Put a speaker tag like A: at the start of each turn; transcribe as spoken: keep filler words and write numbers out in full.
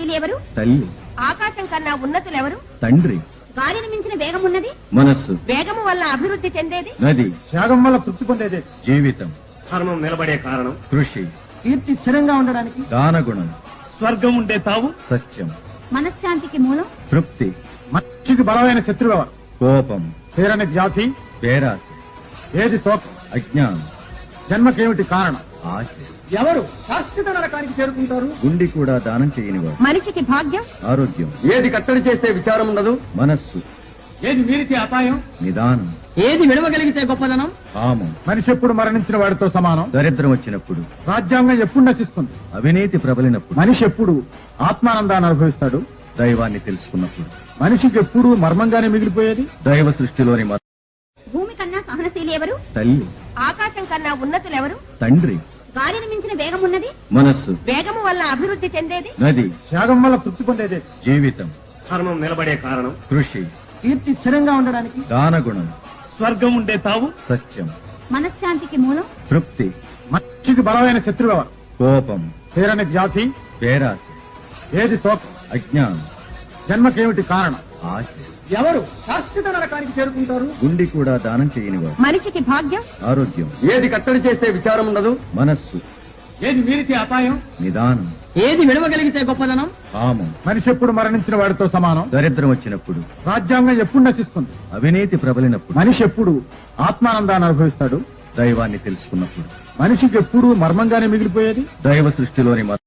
A: సహనశీలి ఎవరు?
B: తల్లి.
A: ఆకాశం కన్నా ఉన్నతులెవరు?
B: తండ్రి.
A: గాలిని మించిన వేగం ఉన్నది?
B: మనస్సు.
A: వేగము వల్ల అభివృద్ధి చెందేది?
B: నది.
C: త్యాగం వల్ల తృప్తి పొందేది
B: జీవితం.
C: ధర్మం నిలబడే కారణం
B: కృషి.
C: కీర్తి స్థిరంగా ఉండడానికి
B: దానగుణం.
C: స్వర్గం ఉండే తావు
B: సత్యం.
A: మనశ్శాంతికి మూలం?
B: తృప్తి.
C: మనిషికి బలమైన శత్రువు ఎవరు?
B: కోపం.
C: తీరని జాతి
B: పేరాశ.
C: ఏది శోకం?
B: అజ్ఞానం.
C: జన్మకేమిటి కారణం?
B: ఆశ.
C: ఎవరు శాశ్వత నరకానికి చేరుకుంటారు?
B: గుండి కూడా దానం చేయనివాడు.
A: మనిషికి భాగ్యం?
B: ఆరోగ్యం.
C: ఏది కట్టడి చేస్తే విచారం ఉండదు?
B: మనస్సు.
C: ఏది మీరితే అపాయం?
B: నిదానం.
C: ఏది విడవగలిగితే గొప్పదనం?
B: కామం.
C: మనిషి ఎప్పుడు మరణించిన వాడితో సమానం?
B: దరిద్రం వచ్చినప్పుడు.
C: రాజ్యాంగం ఎప్పుడు నశిస్తుంది?
B: అవినీతి ప్రబలినప్పుడు.
C: మనిషి ఎప్పుడు ఆత్మానందాన్ని అనుభవిస్తాడు?
B: దైవాన్ని తెలుసుకున్నప్పుడు.
C: మనిషికి ఎప్పుడు మర్మంగానే మిగిలిపోయేది?
B: దైవ సృష్టిలోని మ-
A: భూమి కన్నా సహనశీలి ఎవరు?
B: తల్లి.
A: ఆకాశం కన్నా ఉన్నతులెవరు?
B: తండ్రి.
A: గాలిని మించిన వేగం ఉన్నది?
B: మనస్సు.
A: వేగము వల్ల అభివృద్ధి చెందేది?
B: నది.
C: త్యాగం వల్ల తృప్తి పొందేది
B: జీవితం.
C: ధర్మం నిలబడే కారణం
B: కృషి.
C: కీర్తి స్థిరంగా ఉండడానికి
B: దానగుణం.
C: స్వర్గం ఉండే తావు
B: సత్యం.
A: మనశ్శాంతికి మూలం?
B: తృప్తి.
C: మనిషికి బలమైన శత్రువు ఎవరు?
B: కోపం.
C: తీరని జాతి
B: పేరాశ.
C: ఏది శోకం?
B: అజ్ఞానం.
C: జన్మకేమిటి కారణం?
B: ఆశ.
C: ఎవరు శాశ్వత నరకానికి చేరుకుంటారు?
B: గుండి కూడా దానం చేయనివాడు.
A: మనిషికి భాగ్యం?
B: ఆరోగ్యం.
C: ఏది కట్టడి చేస్తే విచారం ఉండదు?
B: మనస్సు.
C: ఏది మీరితే అపాయం?
B: నిదానం.
C: ఏది విడవగలిగితే గొప్పదనం?
B: కామం.
C: మనిషి ఎప్పుడు మరణించిన వాడితో సమానం?
B: దరిద్రం వచ్చినప్పుడు.
C: రాజ్యాంగం ఎప్పుడు నశిస్తుంది?
B: అవినీతి ప్రబలినప్పుడు.
C: మనిషి ఎప్పుడు ఆత్మానందాన్ని అనుభవిస్తాడు?
B: దైవాన్ని తెలుసుకున్నప్పుడు.
C: మనిషికి ఎప్పుడు మర్మంగానే మిగిలిపోయేది?
B: దైవ సృష్టిలోని మ-